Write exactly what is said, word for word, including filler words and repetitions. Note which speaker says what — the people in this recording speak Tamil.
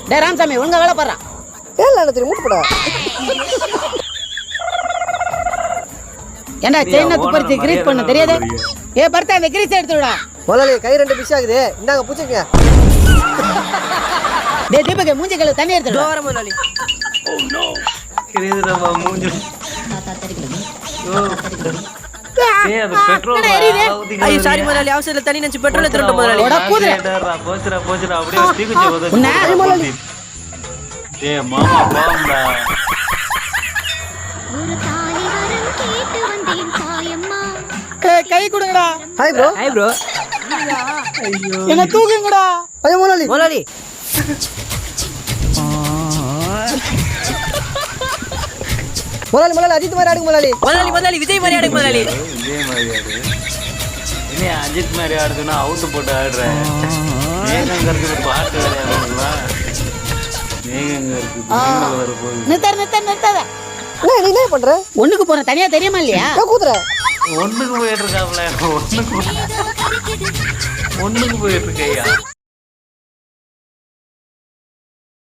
Speaker 1: டேய் ராமசாமி ஒழுங்கா வேலை பாடுறான்.
Speaker 2: ஏல அண்ணா தெரியும் மூட்டு போடா.
Speaker 1: ஏண்டா செயினை துப்பறிச்சு கிரீஸ் பண்ண தெரியாதே? ஏ பர்த்தா அந்த கிரீஸ் எடுத்துடா.
Speaker 2: முதலாளி கை ரெண்டு பிஸி ஆகுது. இந்தாங்க பூச்சிங்க.
Speaker 1: டேய் தீபக் மூஞ்சி கழுவு தண்ணி எடுத்துடா.
Speaker 2: வர முதலாளி.
Speaker 3: Oh no. கிரீஸ்ரா மூஞ்சி. ஏய் அது பெட்ரோல்.
Speaker 2: ஐயோ சாரி முதலாளி அவசரத்துல தண்ணி நெஞ்சு பெட்ரோல் எடுத்துட்டு முதலாளி.
Speaker 1: ஓட கூதுற.
Speaker 3: போச்சுடா போச்சுடா அப்படியே தீக்குச்சி வந்து. ஏய் மாமா பாம்பா.
Speaker 4: ஒரு தாலி வரம் கேட்டு வந்தேன் தாயம்மா.
Speaker 1: ஏய் கை கொடுங்கடா.
Speaker 2: Hi bro.
Speaker 5: Hi bro.
Speaker 2: ஐயோ
Speaker 1: என்ன தூக்குங்கடா.
Speaker 2: ஐயோ முதலாளி.
Speaker 5: முதலாளி.
Speaker 2: முதலாளி முதலாளி அஜித் மாதிரி ஆடுங்க முதலாளி.
Speaker 5: முதலாளி முதலாளி விஜய் மாதிரி ஆடுங்க முதலாளி.
Speaker 3: விஜய் மாதிரி ஆடு. இனி அஜித் மாதிரி ஆடுதுன்னா அவுத்து போட்டு ஆடுறேன். மேகங்க இருக்குது பாட்டு விளையாடுங்களா? மேகங்க இருக்குது வர போகுது.
Speaker 1: நிறுத்த நிறுத்த நிறுத்தாத.
Speaker 2: என்ன நீ என்ன பண்ற?
Speaker 1: ஒண்ணுக்கு போற தனியா தெரியுமா இல்லையா?
Speaker 2: ஏன் கூதுற?
Speaker 3: ஒண்ணுக்கு போயிட்டு இருக்காப்ல ஒண்ணுக்கு ஒண்ணுக்கு போயிட்டு இருக்கையா